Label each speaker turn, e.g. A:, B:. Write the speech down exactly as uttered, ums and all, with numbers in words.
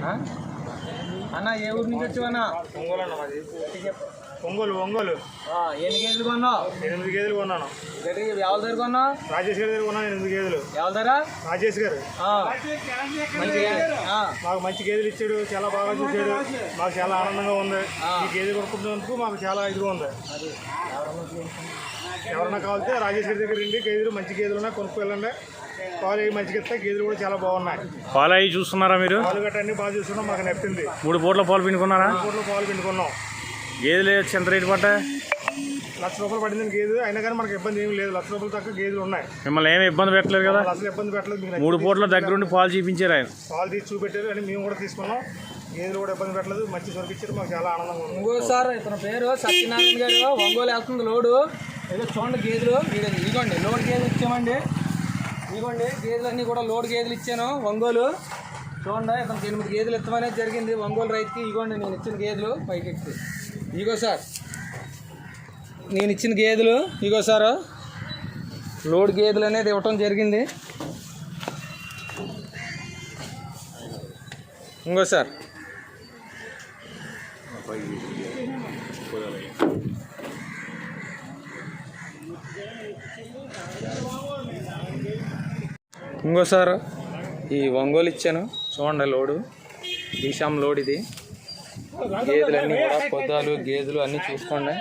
A: అన్న ఏ ఊరు నుంచి వచ్చావన్నా?
B: ఒంగోలు అన్న మాది. ఒంగోలు ఒంగోలు
A: ఎన్ని కేజీలు కొన్నావు?
B: ఎనిమిది కేజీలు కొన్నాను.
A: ఎవరి దగ్గర కొన్నావు?
B: రాజేష్ గారి దగ్గర కొన్నాను ఎనిమిది కేజీలు.
A: ఎవరి దగ్గర?
B: రాజేష్ గారు మాకు మంచి గేదెలు ఇచ్చాడు, చాలా బాగా చూసాడు, మాకు చాలా ఆనందంగా ఉంది. ఈ గేదెలు కొనుక్కున్నందుకు మాకు చాలా ఇదిగా ఉంది. ఎవరన్నా కావాలితే రాజేష్ గారి దగ్గర రండి, గేదెలు మంచి గేదెలు ఉన్నాయి, కొనుక్కు వెళ్ళండి. పాలు అవి మంచిగా ఇస్తాయి, గేదెలు కూడా చాలా బాగున్నాయి.
C: పాలు అవి చూస్తున్నారా మీరు?
B: పాలు గట్ట అన్ని బాగా చూస్తున్నాం, మాకు నప్పింది.
C: మూడు పూట్ల పాలు పిండుకున్నారా?
B: మూడు పూట్ల పాలు పిండుకున్నాం.
C: గేదెలు ఎంత రేటు పడ్డాయి?
B: లక్ష రూపాయలు పడింది గేదె, అయినా కానీ మనకు ఇబ్బంది ఏమి లేదు. లక్ష రూపాయలు తక్కువ గేదెలు ఉన్నాయి.
C: మిమ్మల్ని ఏమి ఇబ్బంది పెట్టలేదు కదా?
B: అసలు ఇబ్బంది పెట్టలేదు.
C: మూడు పూట్ల దగ్గరుండి పాలు చూపించారు ఆయన.
B: పాలు తీసి చూపెట్టారు అని మేము కూడా తీసుకున్నాం. గేదెలు కూడా ఇబ్బంది పెట్టలేదు, మంచి సొరికిచ్చారు, మాకు చాలా ఆనందంగా ఉంది.
A: ఇంకో సార్ ఇతని పేరు సత్యనారాయణ గారు, ఒంగోలు వెళ్తుంది లోడు. ఏదో చూడండి గేదెలు, ఇదిగోండి లోడ్ గేదెలు ఇచ్చామండి. ఇదిగోండి గేదెలు అన్నీ కూడా లోడ్ గేదెలు ఇచ్చాను ఒంగోలు. చూడండి ఇతనికి ఎనిమిది గేదెలు ఇస్తామనేది జరిగింది ఒంగోలు రైతుకి. ఇదిగోండి నేను ఇచ్చిన గేదెలు పైకి ఎక్కి. ఇదిగో సార్ నేను ఇచ్చిన గేదెలు, ఇదిగో సార్ లోడ్ గేదెలు అనేది ఇవ్వటం జరిగింది. ఇంకో సార్ ఇంకోసారి ఈ ఒంగోలు ఇచ్చాను చూడండి లోడు. ఈశాం లోడ్ ఇది. గేదెలన్నీ కూడా పొద్దాలు గేదెలు అన్నీ చూసుకోండి.